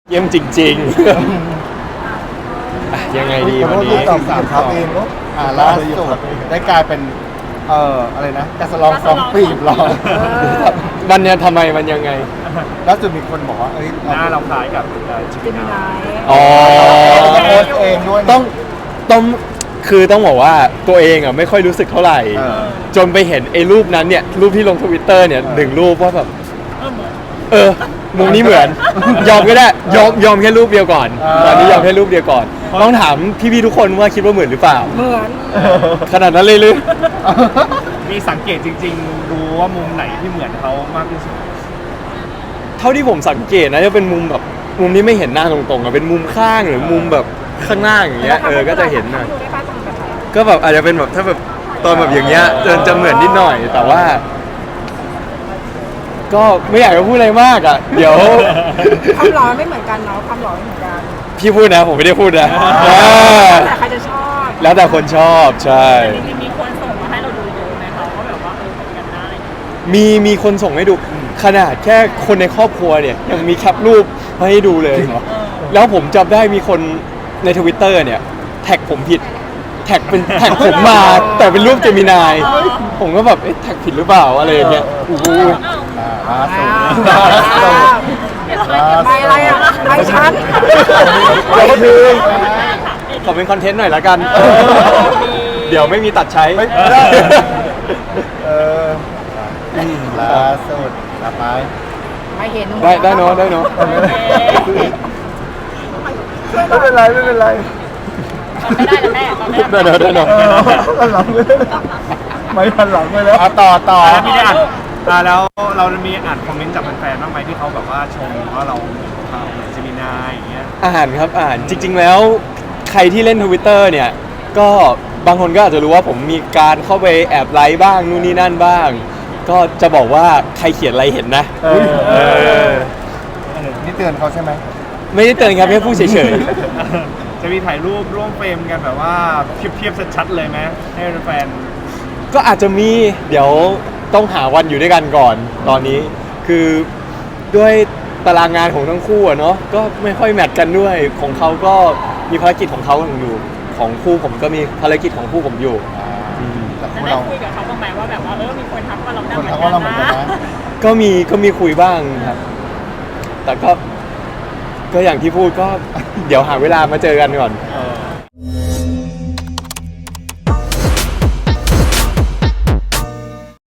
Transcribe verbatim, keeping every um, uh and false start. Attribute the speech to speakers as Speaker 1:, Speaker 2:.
Speaker 1: เยี่ยมจริงๆอ่ะยังไงดีวันนี้
Speaker 2: ตอบสามครับเองเนาะอ่าล่าสุดได้กลายเป็นเอ่ออะไรนะกระสลองสองปีบหรอ
Speaker 1: มันเนี่ยทำไมมันยังไง
Speaker 2: ล่าสุดมีคนบอกว่าเอ้ย
Speaker 3: หน้าเราคล้ายกับจิ
Speaker 4: จิ
Speaker 3: มิ
Speaker 4: มิ
Speaker 3: นา
Speaker 4: นาย
Speaker 1: อ๋อ
Speaker 2: โพสต์เองด้วยนะ
Speaker 1: ต้องต้องคือต้องบอกว่าตัวเองอ่ะไม่ค่อยรู้สึกเท่าไหร่
Speaker 2: เออ
Speaker 1: จนไปเห็นไอ้รูปนั้นเนี่ยรูปที่ลงทวิตเตอร์เนี่ยหนึ่งรูปว่าแบบเออมุมนี้เหมือน ยอมก็ได้ยอมยอมแค่รูปเดียวก่อน ตอนนี้ยอมแค่รูปเดียวก่อน ต้องถามพี่ๆทุกคนว่าคิดว่าเหมือนหรือเปล่า
Speaker 4: เหมือน
Speaker 1: ขนาดนั้นเลยหรือ
Speaker 3: มีสังเกตจริงๆรู้ว่ามุมไหนที่เหมือนเขามากที่สุด
Speaker 1: เท่าที่ผมสังเกตนะจะเป็นมุมแบบมุมที่ไม่เห็นหน้าตรงๆอะเป็นมุมข้างหรือมุมแบบข้างหน้าอย่างเงี้ยเออก็จะเห็นนะ
Speaker 4: ดูได้ป่ะตรงแบบไหน
Speaker 1: ก็แบบอาจจะเป็นแบบถ้าแบบตอนแบบอย่างเงี้ยจะจะเหมือนนิดหน่อย แต่ว่า ก็ไม่อยากจะพูดอะไรมากอ่ะ เดี๋ยว
Speaker 4: ความหล่อไม่เหมือนกันเนาะความหล่อไม่เหมือนกัน
Speaker 1: พี่พูดนะผมไม่ได้พูดนะ
Speaker 4: แต่ใครจะชอบ
Speaker 1: แล้วแต่คนชอบใช่
Speaker 5: จริงๆมีคนส่งมาให้เราดูเยอะไหมคะว่าแบบว่าเออเหมือนกันได้
Speaker 1: มีมีคนส่งให้ดูขนาดแค่คนในครอบครัวเนี่ยยังมีแคปรูปมาให้ดูเลย แล้วผมจำได้มีคนในทวิตเตอร์เนี่ยแท็กผมผิด แท็กเป็นแท็กผมมา แต่เป็นรูปเจมินาย ผมก็แบบเอ๊ะแท็กผิดหรือเปล่าอะไรอย่างเงี้ยโอ้โห
Speaker 2: อ่าล่าสุด
Speaker 4: อ้าว
Speaker 2: ล่าสุด
Speaker 4: ใบอะไรอ่ะใบชั้น
Speaker 1: ก็คือขอเป็นคอนเทนต์หน่อยละกัน เดี๋ยวไม่มีตัดใช้
Speaker 2: ไม่ได้เออล่าสุดต่อไป
Speaker 4: ไม่เห็น
Speaker 1: ได้ได้เนาะได้เนาะ
Speaker 2: ไม่เป็นไรไม่เป็นไร
Speaker 5: ไม่ได้แล้วแม่ตอนแรก
Speaker 1: ได้เนาะได้เนาะ
Speaker 2: เออหันหลังไปไม่หันหลังไปแล้วอ่ะต่อต่อ
Speaker 3: แล้วมีได้อ่านอ่าแล้วเรามีอ่านคอมเมนต์จากแฟนๆบ้างไหมที่เขาแบบว่าชมว่าเราเหมือนจิมินาอย่างเงี้ย
Speaker 1: อ่านครับอ่านจริง ๆ แล้วใครที่เล่นทวิตเตอร์เนี่ย ก็บางคนก็อาจจะรู้ว่าผมมีการเข้าไปแอบไลค์บ้างนู่นนี่นั่นบ้าง ก็จะบอกว่าใครเขียนอะไรเห็นนะ
Speaker 2: เออ
Speaker 1: เออ
Speaker 2: นี่เตือนเขาใช่ไหม
Speaker 1: ไม่ได้เตือนครับแค่พูดเฉย
Speaker 3: จะมีถ่ายรูปร่วมเฟรมกันแบบว่าเทียบๆชัดๆเลยไหมให้แฟน
Speaker 1: ๆ ก็อาจจะมีเดี๋ยวต้องหาวันอยู่ด้วยกันก่อน ตอนนี้คือด้วยตารางงานของทั้งคู่อะเนาะก็ไม่ค่อยแมทกันด้วยของเขาก็มีภารกิจของเขาอยู่ของคู่ผมก็มีภารกิจของคู่ผมอยู่
Speaker 2: อ่าแต่
Speaker 5: แล้ว
Speaker 2: คู่
Speaker 5: ได้
Speaker 2: เรา
Speaker 5: คุยกับเขาบ้างไหมว่าแบบว่าเออมีคนทักว่าเราหน้า
Speaker 2: คน
Speaker 5: เหมือ
Speaker 2: ทัก
Speaker 5: น
Speaker 2: ว่าเรา
Speaker 5: กั
Speaker 2: เหมือน
Speaker 5: น
Speaker 2: กัน
Speaker 5: นะ
Speaker 2: นะ
Speaker 1: ก็มีก็มีคุยบ้างครับ แต่ก็ ก็อย่างที่พูดก็ เดี๋ยวหาเวลามาเจอกันก่อน
Speaker 3: ๆเออ